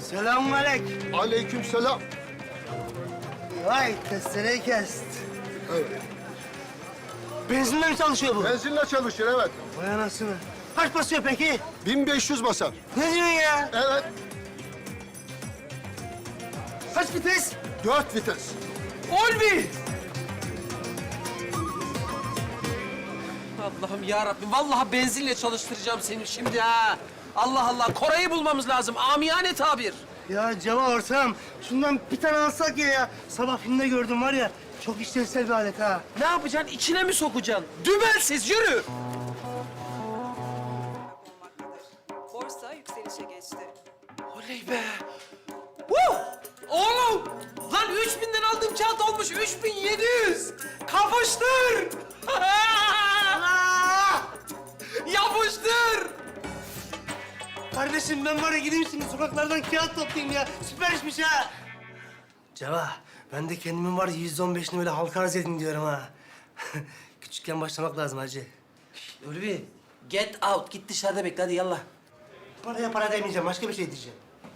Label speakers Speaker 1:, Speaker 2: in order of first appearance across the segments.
Speaker 1: Selamünaleyküm.
Speaker 2: Aleykümselam.
Speaker 1: Vay testereyi kest.
Speaker 2: Evet.
Speaker 1: Benzinle mi çalışıyor bu?
Speaker 2: Benzinle çalışır, evet.
Speaker 1: Vay anasını. Kaç basıyor peki?
Speaker 2: 1500 basar.
Speaker 1: Ne diyorsun ya?
Speaker 2: Evet.
Speaker 1: Kaç vites?
Speaker 2: 4 vites.
Speaker 3: Olvi! Allah'ım ya Rabbim, vallahi benzinle çalıştıracağım seni şimdi ha. Allah Allah, Koray'ı bulmamız lazım. Amiyane tabir.
Speaker 1: Ya Ceva ortağım, şundan bir tane alsak ya. Sabah filmde gördüm var ya, çok işlevsel bir alet ha.
Speaker 3: Ne yapacaksın? İçine mi sokacaksın? Dümensiz, yürü!
Speaker 4: Borsa yükselişe geçti.
Speaker 3: Oley be! Woo! Oğlum! Lan 3000'den aldığım kağıt olmuş 3700! Kapıştır! Yapıştır!
Speaker 1: Kardeşim ben var ya gideyim şimdi sokaklardan kağıt toplayayım ya. Süper işmiş ha. Ceva, ben de kendimin var ya %15'ini böyle halka arz edin diyorum ha. Küçükken başlamak lazım hacı.
Speaker 3: Ulvi, get out. Git dışarıda bekle, hadi yallah.
Speaker 1: Paraya para demeyeceğim, başka bir şey diyeceğim.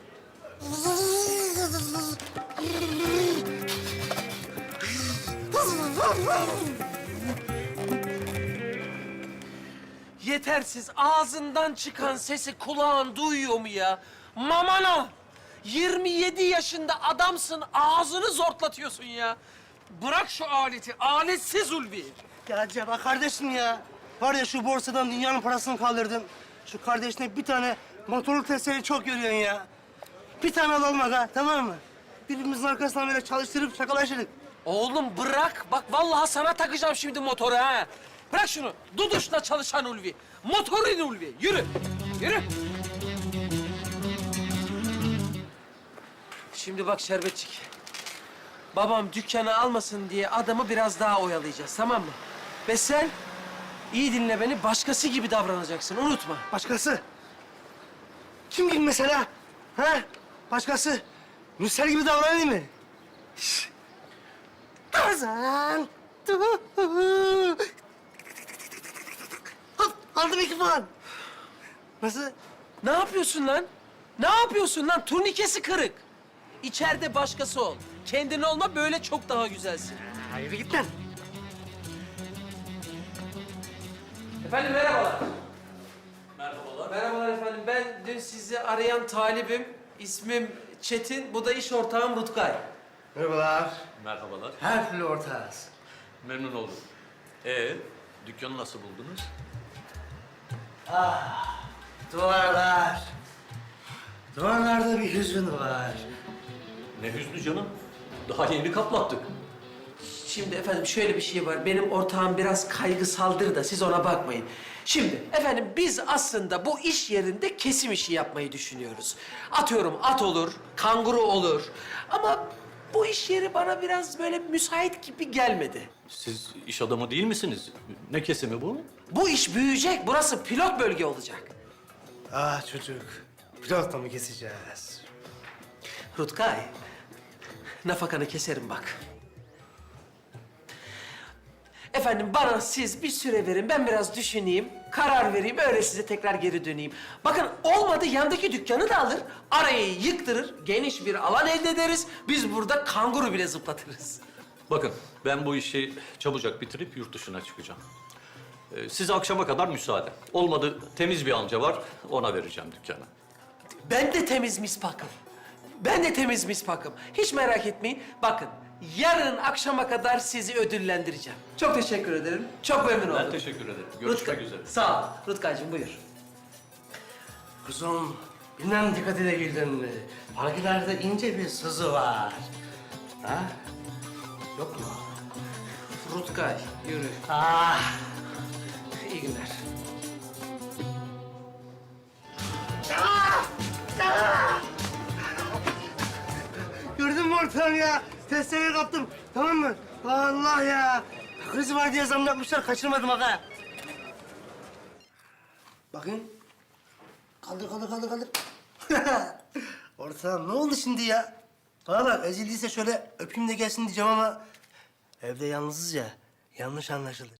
Speaker 3: Yetersiz, ağzından çıkan sesi kulağın duyuyor mu ya? Mamana! 27 yaşında adamsın, ağzını zortlatıyorsun ya. Bırak şu aleti, aletsiz Ulvi.
Speaker 1: Ya Ceva kardeşim ya. Var ya şu borsadan dünyanın parasını kaldırdım. Şu kardeşine bir tane motorlu testereyi çok görüyorsun ya. Bir tane alalım aga, tamam mı? Birbirimizin arkasından böyle çalıştırıp şakalaşırız.
Speaker 3: Oğlum bırak, bak vallahi sana takacağım şimdi motoru ha. Bırak şunu, duduşla çalışan Ulvi. Motorun Ulvi, yürü, yürü. Şimdi bak Şerbetçik. Babam dükkanı almasın diye adamı biraz daha oyalayacağız, tamam mı? Ve sen iyi dinle beni, başkası gibi davranacaksın, unutma.
Speaker 1: Başkası? Kim gibi mesela? Ha? Başkası? Mürsel gibi davranayım mı? Şş. Tarzan. Hop, aldım 2 puan. Nasıl?
Speaker 3: Ne yapıyorsun lan? Ne yapıyorsun lan? Turnikesi kırık. İçeride başkası ol. Kendin olma, böyle çok daha güzelsin.
Speaker 1: Hayır git lan.
Speaker 3: Efendim merhabalar. Merhabalar. Merhabalar efendim. Ben dün sizi arayan talibim. İsmim Çetin. Bu da iş ortağım Rutkay.
Speaker 1: Merhabalar.
Speaker 5: Merhabalar.
Speaker 1: Her türlü ortağız.
Speaker 5: Memnun oldum. Dükkanı nasıl buldunuz?
Speaker 1: Duvarlar. Duvarlarda bir hüzün var.
Speaker 5: Ne hüznü canım. Daha yeni kaplattık.
Speaker 3: Şimdi efendim şöyle bir şey var. Benim ortağım biraz kaygısaldır da siz ona bakmayın. Şimdi efendim biz aslında bu iş yerinde kesim işi yapmayı düşünüyoruz. Atıyorum at olur, kanguru olur. Ama bu iş yeri bana biraz böyle müsait gibi gelmedi.
Speaker 5: Siz iş adamı değil misiniz? Ne kesimi bu?
Speaker 3: Bu iş büyüyecek. Burası pilot bölge olacak.
Speaker 1: Ah çocuk. Pilotla mı keseceğiz?
Speaker 3: Rutkay, nafakanı keserim bak. Efendim bana siz bir süre verin, ben biraz düşüneyim, karar vereyim, öyle size tekrar geri döneyim. Bakın olmadı yandaki dükkanı da alır, arayı yıktırır, geniş bir alan elde ederiz. Biz burada kanguru bile zıplatırız.
Speaker 5: Bakın ben bu işi çabucak bitirip yurt dışına çıkacağım. Size akşama kadar müsaade. Olmadı temiz bir amca var, ona vereceğim dükkanı.
Speaker 3: Ben de temiz mispakım. Ben de temiz mispakım. Hiç merak etmeyin. Bakın, yarın akşama kadar sizi ödüllendireceğim. Çok teşekkür ederim. Çok memnun oldum.
Speaker 5: Ben teşekkür ederim. Görüşmek üzere.
Speaker 3: Sağ ol. Rutkaycığım buyur.
Speaker 1: Kuzum, bilmem dikkat edebildin mi? Parkilerde ince bir sızı var. Ha? Yok mu?
Speaker 3: Rutkay, yürü.
Speaker 1: Ah!
Speaker 3: İyi günler.
Speaker 1: Gördün mü ortağım ya? Testereyi kaptım, tamam mı? Allah ya! Krizi var diye zam yapmışlar, kaçırmadım aga. Bakın. Kaldır. Ortağım ne oldu şimdi ya? Bana bak, ezildiyse şöyle öpeyim de gelsin diyeceğim ama... Evde yalnızız ya, yanlış anlaşılır.